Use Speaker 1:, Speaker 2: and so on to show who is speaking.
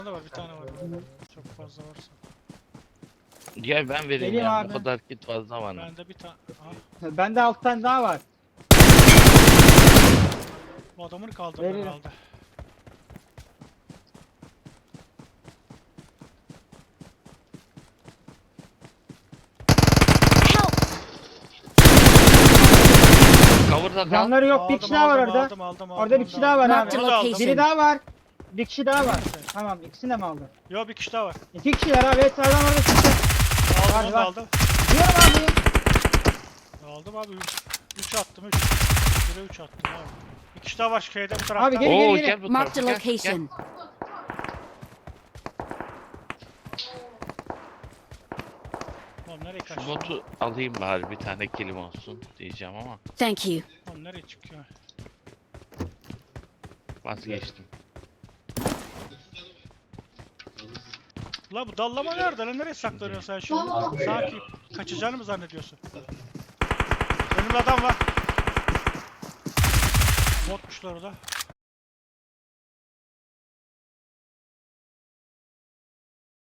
Speaker 1: var, bir tane var. Çok fazla varsa.
Speaker 2: Gel ben vereyim
Speaker 3: Vereyim
Speaker 2: ya.
Speaker 3: abi.
Speaker 2: Bu kadar kit fazla var.
Speaker 1: Bende bir tane.
Speaker 3: Bende 6 tane daha var.
Speaker 1: Bu adamını kaldırdı
Speaker 3: Veririm.
Speaker 1: herhalde.
Speaker 2: Cover'da kal.
Speaker 3: Canları yok, bir kişi daha var orada.
Speaker 1: Aldım,
Speaker 3: Orada bir kişi daha var
Speaker 4: Marked
Speaker 3: abi.
Speaker 4: a
Speaker 1: Onu da aldım.
Speaker 4: location.
Speaker 3: Biri daha var. Bir kişi daha var.
Speaker 1: Neyse.
Speaker 3: Tamam, ikisini de mi aldın?
Speaker 1: Yok, bir kişi daha var.
Speaker 3: 2 kişiler abi. Evet, sağdan orada çıktı.
Speaker 1: Aldım,
Speaker 3: Hadi
Speaker 1: onu da
Speaker 3: bak.
Speaker 1: aldım.
Speaker 3: Diyorum abi.
Speaker 1: Aldım abi. 3 attım, 3. 1'e 3 attım abi. Bir kişi daha var şeyde bu tarafta.
Speaker 3: Abi gel.
Speaker 2: Oo
Speaker 3: geri.
Speaker 2: gel bu
Speaker 4: Marked a
Speaker 2: tarafa. Gel, gel.
Speaker 4: location.
Speaker 1: Oğlum nereye
Speaker 2: Şu
Speaker 1: kaçtı?
Speaker 2: botu alayım bari bir tane kilim olsun diyeceğim ama
Speaker 4: Thank you.
Speaker 1: Oğlum nereye çıkıyor?
Speaker 2: vazgeçtim.
Speaker 1: La bu dallama nerede lan? Nereye saklanıyorsun sen şu? Sanki kaçacağını mı zannediyorsun? Önümde adam var. Botmuşlar orada.